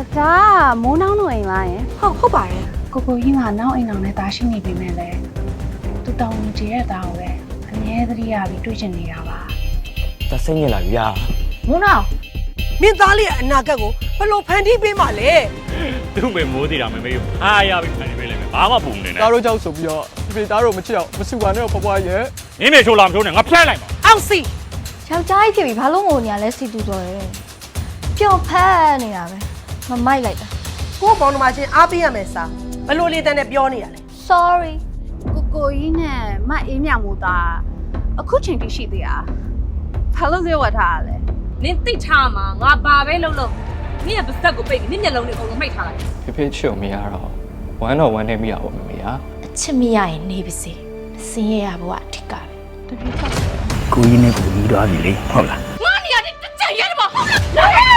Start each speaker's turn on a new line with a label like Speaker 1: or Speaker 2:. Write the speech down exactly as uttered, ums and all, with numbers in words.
Speaker 1: ဒါမိုးနှောင်းတို့အိမ်လားယင်
Speaker 2: ဟုတ်ဟုတ်ပါတယ်
Speaker 1: ကိုကိုကြီးကနောက်အိမ်အောင်နဲ့တာရှိနေပြီမဲ့လေသူတောင်းကြတဲ့သားကိုပဲအမြဲတမ်းရပြီးတွေ့ချင်နေတာပါ
Speaker 3: ဒါစိတ်ညစ်လာပြီဗျာ
Speaker 2: မိုးနောင်
Speaker 4: မင်းသားလေးရဲ့အနာဂတ်ကိုဘယ်လိုဖန်တီးပေးမှလဲ
Speaker 5: သူ့မေမိုးသေးတာမမေးဘူးအားရပြီဖန်နေပေးလိုက်မယ်ဘာမှပုံနေနဲ့
Speaker 6: သားတို့ကြောက်ဆိုပြီးတော့ဖေသားတို့မချစ်အောင်မစုပါနဲ့ဖွားဖွားရဲ့
Speaker 5: နင်းမေချိုးလာမချိုးနဲ့ငါဖျက်လိုက်ပါ
Speaker 4: အောင်စီ
Speaker 2: ယောက်ျားကြီးဖြစ်ပြီးဘာလို့ငိုနေရလဲစီတူတော်ရဲပျော့ဖက်နေတာပဲမမိုက်လိုက်တာ
Speaker 4: ကို့ဘောင်းနှမချင်းအားပေးရမယ်စာဘယ်လိုလေးတန်းနဲ့ပြောနေရလဲ
Speaker 2: sorry
Speaker 1: ကိုကိုကြီးနဲ့မအေးမြမို့သားအခုချိန်ထိရှိသေးတာဘာလို့ဇေဝတ်ထားရလဲ
Speaker 7: နင်သိထားမှာငါဘာပဲလုပ်လို့နင့်ရဲ့ပါစက်ကိုပိတ်ပြီးနင့်မျက်လုံးတွေအကုန်လုံးမှိတ်ထားလိုက်
Speaker 3: ဖေဖေချစ်အောင်မရတော့ဝမ်းတော့ဝမ်းနေမိရပါမမေဟာ
Speaker 2: အချစ်မရရင်နေပါစေစင်းရရဘဝအထက်ကပဲ
Speaker 8: ကိုကြီးနဲ့ကိုကြီးသွားပြီလေဟုတ်လား
Speaker 7: ငါနေရာတစ်ချက်ရဲတယ်မဟုတ်လား